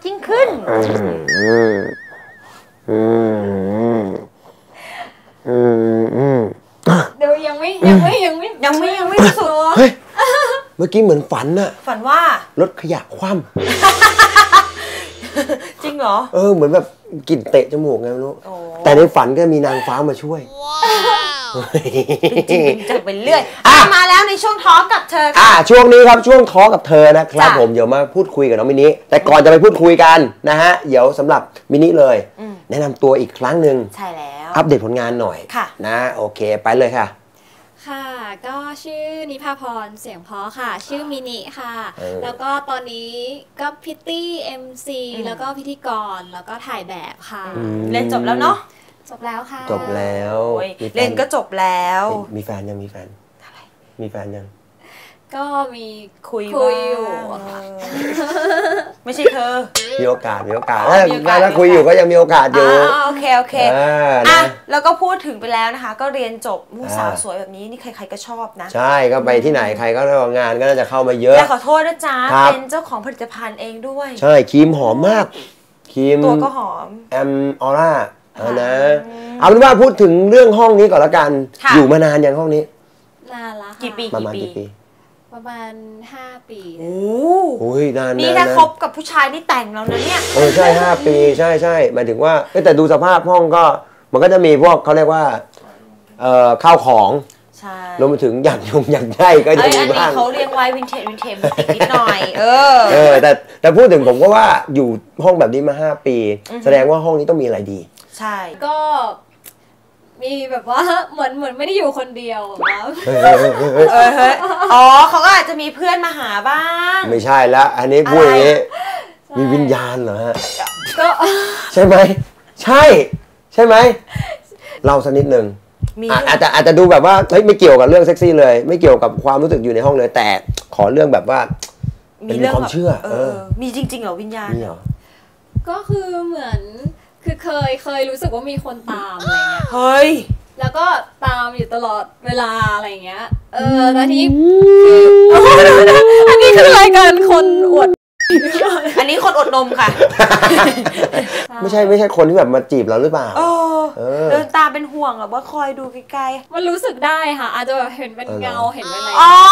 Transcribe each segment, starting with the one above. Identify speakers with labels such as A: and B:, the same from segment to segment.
A: ยิ่งขึ้น
B: เดี๋ยวยังไม่สุด
C: เฮ้ยเมื่อกี้เหมือนฝันน่ะ
A: ฝันว่าร
C: ถขยะคว่ำ
A: จริงเหรอ
C: เหมือนแบบกลิ่นเตะจมูกไงไม่รู้แต่ในฝันก็มีนางฟ้ามาช่วย
A: จริงๆจะเป็นเรื่อยมาแล้วในช่วงท้อกับเธอ
C: ช่วงนี้ครับช่วงท้อกับเธอนะครับผมเดี๋ยวมาพูดคุยกับน้องมินิแต่ก่อนจะไปพูดคุยกันนะฮะเดี๋ยวสำหรับมินิเลยแนะนำตัวอีกครั้งหนึ่ง
A: ใช่แล้ว
C: อัปเดตผลงานหน่อยนะโอเคไปเลยค่ะ
B: ค่ะก็ชื่อนิพาพรเสียงเพราะค่ะชื่อมินิค่ะแล้วก็ตอนนี้ก็พิตตี้MCแล้วก็พิธีกรแล้วก็ถ่ายแบบค่ะ
A: เรียนจบแล้วเนาะ
B: จบแล้วค่ะ
C: จบแล้ว
A: เรียนก็จบแล้ว
C: มีแฟนยังมีแฟนมีแฟนยัง
B: ก็มี
A: คุย
B: อยู่
A: ไม่ใช่เธอ
C: มีโอกาสถ้าคุยอยู่ก็ยังมีโอกาสอยู่
A: โอเคแล้วก็พูดถึงไปแล้วนะคะก็เรียนจบผู้สาวสวยแบบนี้นี่ใครๆก็ชอบนะ
C: ใช่ก็ไปที่ไหนใครก็งานก็น่าจะเข้ามาเยอะ
A: แต่ขอโทษนะจ๊ะเป็นเจ้าของผลิตภัณฑ์เองด้วย
C: ใช่ครีมหอมมากครีม
A: ตัวก็หอม
C: แอมออร่านะเอาเป็นว่าพูดถึงเรื่องห้องนี้ก่อนละกันอยู่มานานยังห้องนี้
B: นานละ
A: กี่ปี
C: ประมาณกี่ปี
B: ประมาณ5 ปี
C: โอ้ยนาน
A: นี่ถ้าคบกับผู้ชายนี่แต่งแล้วนะเนี่ย
C: ใช่5 ปีใช่หมายถึงว่าแต่ดูสภาพห้องก็มันก็จะมีพวกเขาเรียกว่าข้าวของรวมไปถึงอย่างใหญ่ก็จะมีบ้าง
A: เขาเรียกไว้วินเทจนิดหน่อย
C: แต่พูดถึงผมก็ว่าอยู่ห้องแบบนี้มา5 ปีแสดงว่าห้องนี้ต้องมีอะไรดี
A: ใช่
B: ก็มีแบบว่าเหมือนไม่ได้อยู่คนเดียวครับ
A: เขาก็อาจจะมีเพื่อนมาหาบ้าง
C: ไม่ใช่ละอันนี้พูดอย่างนี้มีวิญญาณเหรอฮะ
B: ก็
C: ใช่ไหมใช่ไหมเล่าสักนิดนึงอาจจะดูแบบว่าเฮ้ยไม่เกี่ยวกับเรื่องเซ็กซี่เลยไม่เกี่ยวกับความรู้สึกอยู่ในห้องเลยแต่ขอเรื่องแบบว่ามีความเชื่อ
A: มีจริงๆเหรอวิญญาณ
B: ก็คือเหมือนคือเคยรู้สึกว่ามีคนตามอะไรเงี้ย
A: เฮ้ย
B: แล้วก็ตามอยู่ตลอดเวลาอะไรเงี้ยตอนนี้คืออันนี้คือรายการคนอวด
A: อันนี้คนอดนมค่ะ
C: ไม่ใช่คนที่แบบมาจีบเราหรือเปล่า
A: เดินตามเป็นห่วงแบบว่าคอยดูไกล
B: ๆมันรู้สึกได้ค่ะอาจจะแบบเห็นเป็นเงาเห็นเป็นอะไร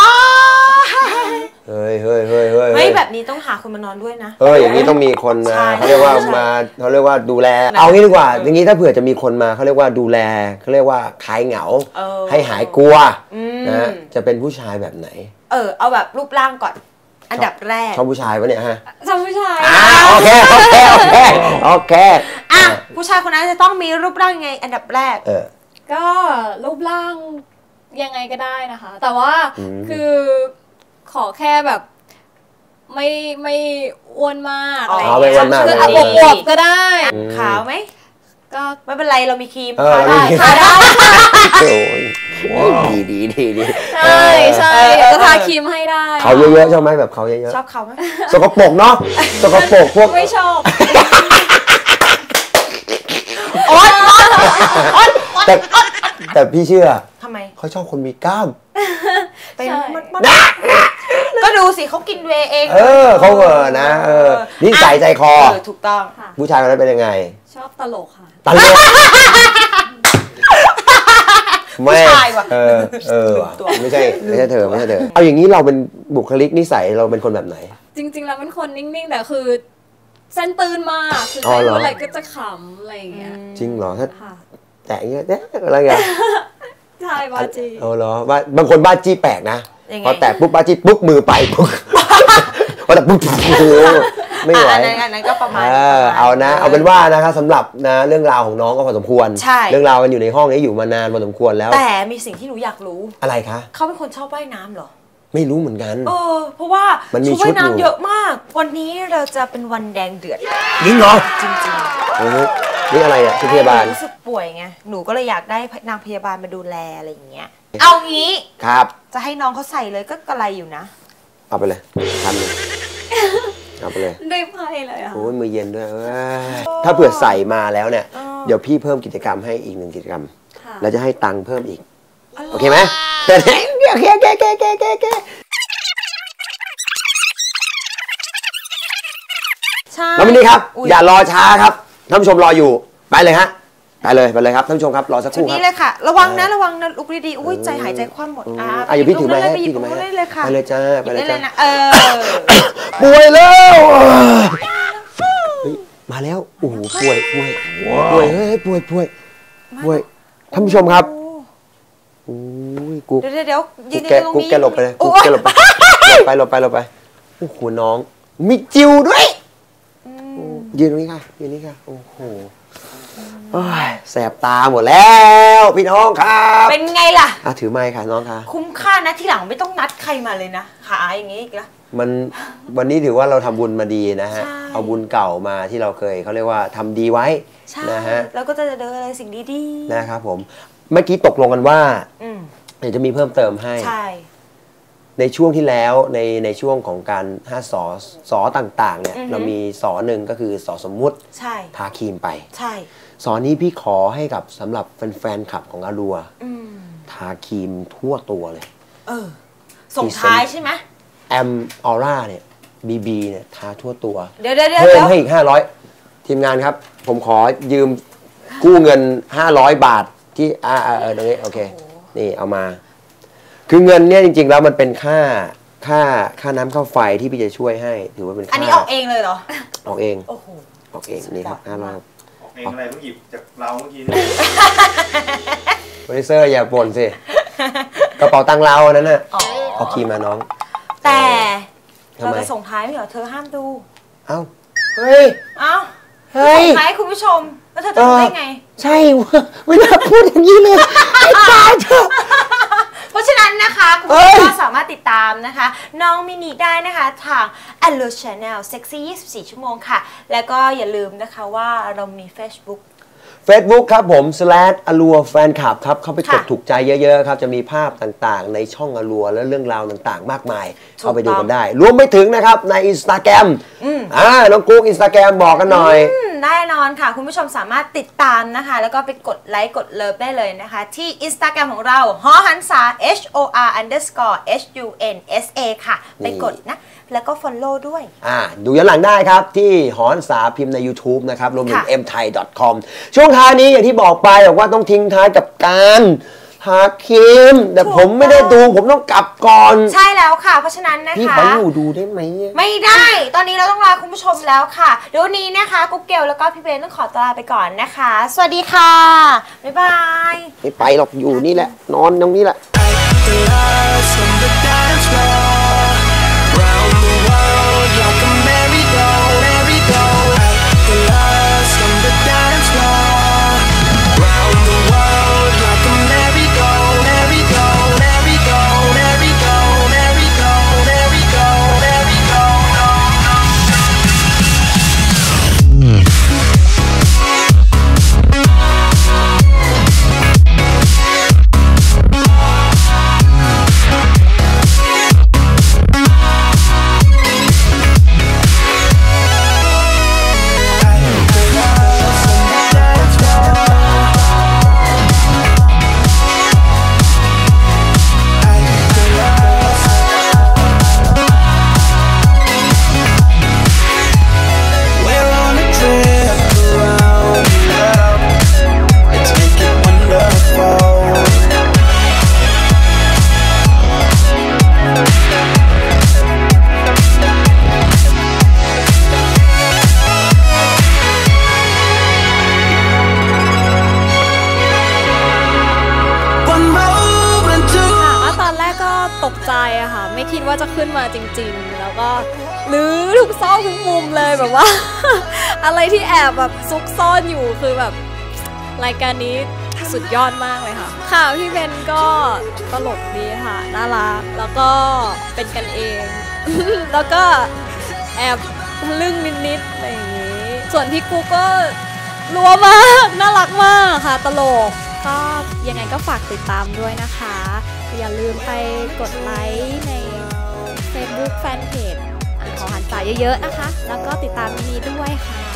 C: เฮ้ย
A: แบบนี้ต้องหาคนมานอนด้วยนะ
C: อย่างนี้ต้องมีคนมาเขาเรียกว่าดูแลเอางี้ดีกว่าอย่างนี้ถ้าเผื่อจะมีคนมาเขาเรียกว่าดูแลเขาเรียกว่าคลายเหงาให้หายกลัวนะจะเป็นผู้ชายแบบไหน
A: เอาแบบรูปร่างก่อนอันดับแรก
C: ชอบผู้ชายวะเนี่ยฮะ
B: ชอบผู้ชาย
C: โอเค
A: ผู้ชายคนนั้นจะต้องมีรูปร่างไงอันดับแรก
B: ก็รูปร่างยังไงก็ได้นะคะแต่ว่าคือขอแค่แบบไม่อ้วนมากอะไรอย่างเงี้ยคืออวบก็ได้
A: ขาวไหมก็ไม่เป็นไรเรามีครีม
B: ทาได้
C: โอ้ยดี
B: ใช่ก็ทาครีมให้ได้
C: เขาเยอะๆชอบไหมแบบเขาเยอะ
A: ๆชอบเขาไหม
C: สกปรกเนาะสกปรกพวก
B: ไม่ชอบ
C: แต่พี่เชื่อ
A: ทำไม
C: เขาชอบคนมีกล้าม
A: เป็นก็ดูสิเขากินเวเอง
C: เขานะนิสัยใจคอ
A: ถูกต้อง
C: ผู้ชายคนนั้นเป็นยังไง
B: ชอบตลกค่ะ
C: ตลก
A: ไม่ใช่ว่ะ
C: ไม่ใช่เธอเอาอย่างนี้เราเป็นบุคลิกนิสัยเราเป็นคนแบบไหน
B: จริงๆเราเป็นคนนิ่งๆแต่คือเส้นตื่นมากคือใครพูดอะไรก็จะขำอะไรอย่างเงี้ย
C: จริงเหรอถ้าแต่เงี้ยอะไรเงี้ย
B: ใช่บ้าจี้
C: เหรอว่าบางคนบ้าจี้แปลกนะพอแตะปุ๊บบ้าจี้ปุ๊บมือไปปุ๊บพอแต่ปุ๊บไม่ไหว
A: อันนั้นก็ประมาณ
C: เอานะเอาเป็นว่านะครับสำหรับนะเรื่องราวของน้องก็พอสมควรเรื่องราวกันอยู่ในห้องนี้อยู่มานานพอสมควรแล้ว
A: แต่มีสิ่งที่หนูอยากรู้
C: อะไรคะ
A: เขาเป็นคนชอบว่ายน้ำเหรอ
C: ไม่รู้เหมือนกัน
A: เพราะว่าชุดว่ายน้ำเยอะมากวันนี้เราจะเป็นวันแดงเดือด
C: จริงเหรอ
A: จริง
C: นี่อะไรอ่ะชุดพยาบาล
A: รู้สึกป่วยไงหนูก็เลยอยากได้นางพยาบาลมาดูแลอะไรอย่างเงี้ยเอางี้
C: ครับ
A: จะให้น้องเขาใส่เลยก็กระไรอยู่นะ
C: เอาไปเลยทำเลยเอาไปเลย
B: ได้ไพ่เลยอ่ะ
C: โอ้ยมือเย็นด้วยถ้าเผื่อใส่มาแล้วเนี่ยเดี๋ยวพี่เพิ่มกิจกรรมให้อีก1 กิจกรรมแล้วจะให้ตังค์เพิ่มอีกโอเคไหมโอเค
A: ใช่
C: น้องมินนี่ครับอย่ารอช้าครับท่านผู้ชมรออยู่ไปเลยฮะไปเลยครับท่านผู้ชมครับรอสักครู่ครับ
A: นี้เลยค่ะระวังนะลุกดีๆอุ้ยใจหายใจคว่ำหมด
C: อย่าพี่ถือไม้ให้พี่ถือไม้ให้ไปเลยจ้าป่วยแล้วมาแล้วโอ้โหป่วยเฮ้ยป่วยท่านผู้ชมครับโอ้ยกู
A: เดี๋ยวยืนตรงนี้
C: แกหลบไปเลยกูแกหลบไปหลบไปโอ้โหน้องมีจิวด้วยยืนตรงนี้ค่ะโอ้โหแสบตาหมดแล้วพี่น้องครับ
A: เป็นไงล่ะ
C: ถือไม้ค่ะน้องค่ะ
A: คุ้มค่านะที่หลังไม่ต้องนัดใครมาเลยนะหาอย่างงี้อีกแล้ว
C: วันนี้ถือว่าเราทำบุญมาดีนะฮะเอาบุญเก่ามาที่เราเคยเขาเรียกว่าทำดีไว้นะฮะ
A: แล้วก็จะเดินอะไรสิ่งดี
C: ๆนะครับผมเมื่อกี้ตกลงกันว่าเดี๋ยวจะมีเพิ่มเติมให้ในช่วงที่แล้วในช่วงของการ5 สอต่างๆเนี่ยเรามีสอหนึ่งก็คือสอสมมุติทาครีมไปสอนนี้พี่ขอให้กับสำหรับแฟนๆคลับของอารัวทาครีมทั่วตัวเลย
A: ส่งท้ายใช่ไหม
C: แอมออร่าเนี่ยBBเนี่ยทาทั่วตัว
A: เดี๋ยว
C: เพิ่มให้อีก500ทีมงานครับผมขอยืมกู้เงิน500 บาทที่ตรงนี้โอเคนี่เอามาคือเงินเนี่ยจริงๆแล้วมันเป็นค่าน้ำค่าไฟที่พี่จะช่วยให้ถือว่าเป็นค่า
A: อันนี้ออกเองเลยเหรอ
C: ออกเองออกเองนี่ครับ500
D: เองอะไรเพิ่งหยิบจากเราเมื่อกี้
C: โปรดิวเซอร์อย่าบ่นสิกระเป๋าตังค์เรานั้นน่ะเอาคีย์มาน้อง
A: แต่เราจะส่งท้ายไม่เหรอเธอห้ามดู
C: เอ้าเฮ้ย
A: ส่งท้ายคุณผู้ชมแล้วเธอจะดูได้ไง
C: ใช่ไม่น่าพูดอย่างนี้เลยไอ้ตายเถอะ
A: เพราะฉะนั้นนะคะคุณผู้ชมก็สามารถติดตามนะคะน้องมินิได้นะคะทาง Allo Channel Sexy 24 ชั่วโมงค่ะแล้วก็อย่าลืมนะคะว่าเรามี Facebook
C: ครับผม/allure fan club ครับเข้าไปกดถูกใจเยอะๆครับจะมีภาพต่างๆในช่องallureและเรื่องราวต่างๆมากมายเข้าไปดูกันได้รวมไปถึงนะครับใน Instagram น้องกุ๊ก Instagram บอกกันหน่อย
A: แน่นอนค่ะคุณผู้ชมสามารถติดตามนะคะแล้วก็ไปกดไลค์กดเลิฟได้เลยนะคะที่ Instagram ของเราหอหันษา HOR_HUNSA ค่ะไปกดนะแล้วก็ follow ด้วย
C: ดูย้อนหลังได้ครับที่หอหันษาพิมพ์ใน YouTube นะครับรวมถึง mthai.com ช่วงท้ายนี้อย่างที่บอกไปบอกว่าต้องทิ้งท้ายกับการทาครีมแต่ผมไม่ได้ดูผมต้องกลับก่อน
A: ใช่แล้วค่ะเพราะฉะนั้นนะคะ
C: พี่ขออยู่ดูได้ไหม
A: ไม่ได้ตอนนี้เราต้องลาคุณผู้ชมแล้วค่ะเดี๋ยวนี้นะคะกุ๊กเกลแล้วก็พี่เบนต้องขอตัวลาไปก่อนนะคะสวัสดีค่ะบ๊ายบาย
C: ไม่ไปหรอกอยู่นี่แหละนอนตรงนี้แหละ
B: ตกใจอะค่ะไม่คิดว่าจะขึ้นมาจริงๆแล้วก็ลื้อทุกซอกทุกมุมเลยแบบว่า อะไรที่แอบแบบซุกซ่อนอยู่คือแบบรายการนี้สุดยอดมากเลยค่ะค่ะพี่เบนก็ตลกดีค่ะน่ารักแล้วก็เป็นกันเอง แล้วก็แอบลึ่งนิดๆอะไรอย่างนี้ส่วนพี่กูก็รัวมากน่ารักมากค่ะตลกก็ยังไงก็ฝากติดตามด้วยนะคะอย่าลืมไปกดไลค์ใน Facebook Fanpage หอหันษาเยอะๆนะคะแล้วก็ติดตามมินิด้วยค่ะ